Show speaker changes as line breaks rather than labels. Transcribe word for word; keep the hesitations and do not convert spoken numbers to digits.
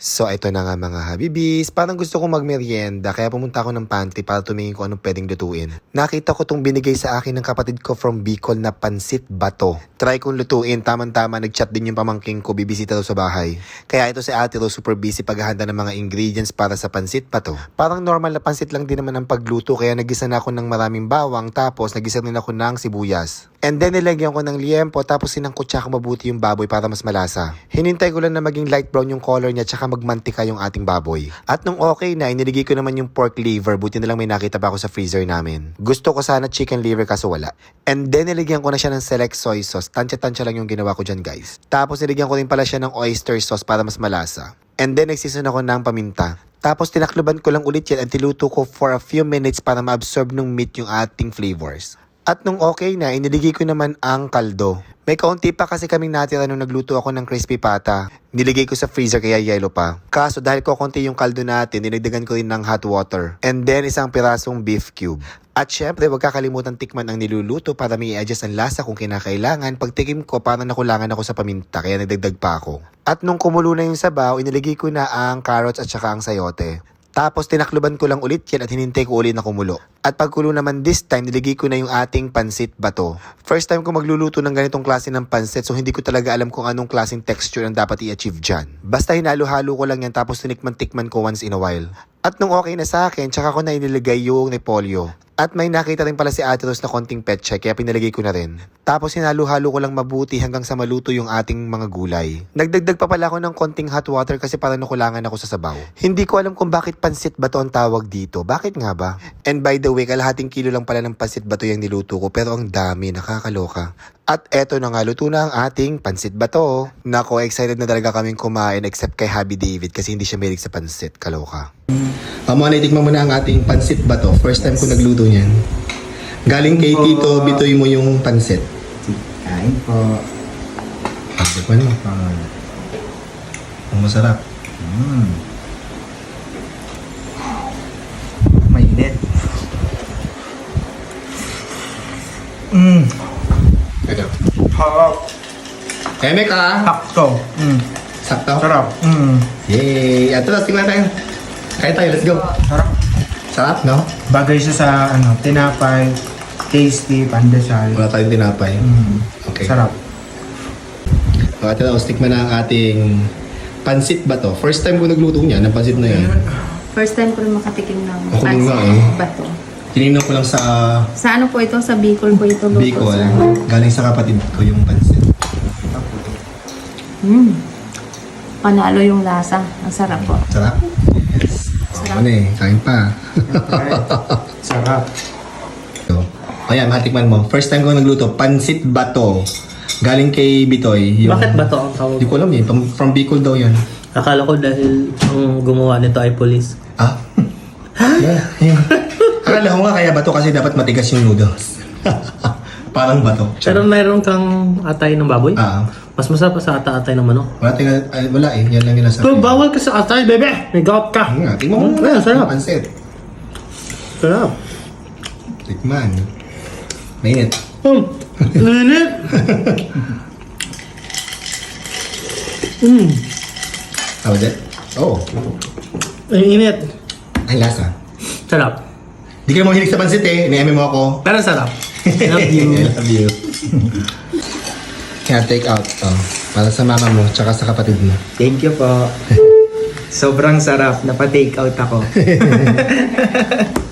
So, ito na nga mga habibis. Parang gusto kong magmerienda, kaya pumunta ako ng pantry para tumingin ko anong pwedeng lutuin. Nakita ko tong binigay sa akin ng kapatid ko from Bicol na pansit bato. Try kong lutuin, tamang-tama nag-chat din yung pamangking ko, bibisita daw sa bahay. Kaya ito si Ate Rose super busy paghahanda ng mga ingredients para sa pansit bato. Parang normal na pansit lang din naman ang pagluto, kaya nagisa na ako ng maraming bawang, tapos nagisa din ako ng sibuyas. And then nilagyan ko ng liempo, tapos sinangkot siya ko mabuti yung baboy para mas malasa. Hinintay ko lang na maging light brown yung color niya, tsaka magmantika yung ating baboy. At nung okay na, iniligay ko naman yung pork liver, buti na lang may nakita pa ako sa freezer namin. Gusto ko sana chicken liver kaso wala. And then nilagyan ko na siya ng select soy sauce, tansya-tansya lang yung ginawa ko dyan guys. Tapos nilagyan ko rin pala siya ng oyster sauce para mas malasa. And then nagseason ako ng paminta. Tapos tinakluban ko lang ulit yan at tiluto ko for a few minutes para ma-absorb ng meat yung ating flavors. At nung okay na, iniligay ko naman ang kaldo. May kaunti pa kasi kaming natira nung nagluto ako ng crispy pata. Niligay ko sa freezer kaya yellow pa. Kaso dahil ko konti yung kaldo natin, dinagdagan ko rin ng hot water. And then isang pirasong beef cube. At syempre, wag kakalimutan tikman ang niluluto para may i-adjust ang lasa kung kinakailangan. Pagtikim ko, parang nakulangan ako sa paminta, kaya nagdagdag pa ako. At nung kumulo na yung sabaw, iniligay ko na ang carrots at saka ang sayote. Tapos tinakluban ko lang ulit yan at hinintay ko ulit na kumulo. At pagkulo naman this time, niligay ko na yung ating pansit bato. First time ko magluluto ng ganitong klase ng pansit, so hindi ko talaga alam kung anong klaseng texture ang dapat i-achieve dyan. Basta hinalo-halo ko lang yan tapos tinikman-tikman ko once in a while. At nung okay na sa akin, tsaka ko na inilagay yung repolyo. At may nakita rin pala si Ate Rose na konting petchay, kaya pinalagay ko na rin. Tapos hinalo-halo ko lang mabuti hanggang sa maluto yung ating mga gulay. Nagdagdag pa pala ako ng konting hot water kasi parang nakulangan ako sa sabaw. Hindi ko alam kung bakit pansit bato ang tawag dito. Bakit nga ba? And by the way, kalahating kilo lang pala ng pansit bato yung niluto ko, pero ang dami, nakakaloka. At eto na nga, luto na ang ating pansit bato. Nako, excited na talaga kaming kumain except kay Happy David kasi hindi siya mahilig sa pansit. Kaloka. Um, mga naitikman mo na ang ating pansit bato. First time ko nagluto niyan. Galing kay Tito Bitoy mo yung pansit.
Kain po.
Pagdapan mo. Ang masarap.
Mm. Mainit. Mm.
Ito.
Harap.
Eme ka!
Sakto. Mm.
Sakto?
Sarap. Mm.
Yay! At tapos, tingnan tayo. Kaya tayo, let's go.
Sarap.
Sarap, no?
Bagay siya sa ano, tinapay, tasty, pandesal.
Wala tayong tinapay.
Mm.
Okay.
Sarap.
So, ito na, stick mo na ang ating pansit ba to? First time ko nagluto niya, ng pansit na yan.
First time ko rin makatikim ng
Ako din nga
pansit
eh.
bato.
Tinignan ko lang sa
Sa ano po ito? Sa Bicol po ito luto
Bicol.
sa...
Galing sa kapatid ko yung pansit.
Mm. Panalo yung lasa. Ang sarap po.
Sarap? Yes.
Sarap.
Ano eh, kain pa.
Sarap.
So, ayan, matikman mo. First time ko nagluto, pansit bato. Galing kay Bitoy. Yung...
Bakit ba to ang tawag?
Hindi ko alam eh. From, from Bicol daw yan.
Akala ko dahil ang gumawa nito ay police.
Ah? Yeah, yeah. Akala ko nga kaya bato kasi dapat matigas yung noodles. Parang bato.
Pero mayroon kang atay ng baboy?
Ah.
Mas masarap pa sa ata-atay ng manok.
Wala, tinga, ay, wala eh. Yan lang yung nasa...
Pero bawal ka sa atay, bebe! May gout ka!
Nga, tingnan mo
Mm,
muna.
ayun, sarap.
Pansit.
Sarap.
Tikman. Mainit.
Hmm. Linit! Hmm.
How was it? Oh.
Ang init.
Ay, lasa.
Sarap.
Di ka naman mahilig sa pansit eh. Iniami mo ako.
Pero sarap. Love you.
I love you. Kaya take out to. Para sa mama mo, tsaka sa kapatid mo.
Thank you po. Sobrang sarap. Napa-take out ako.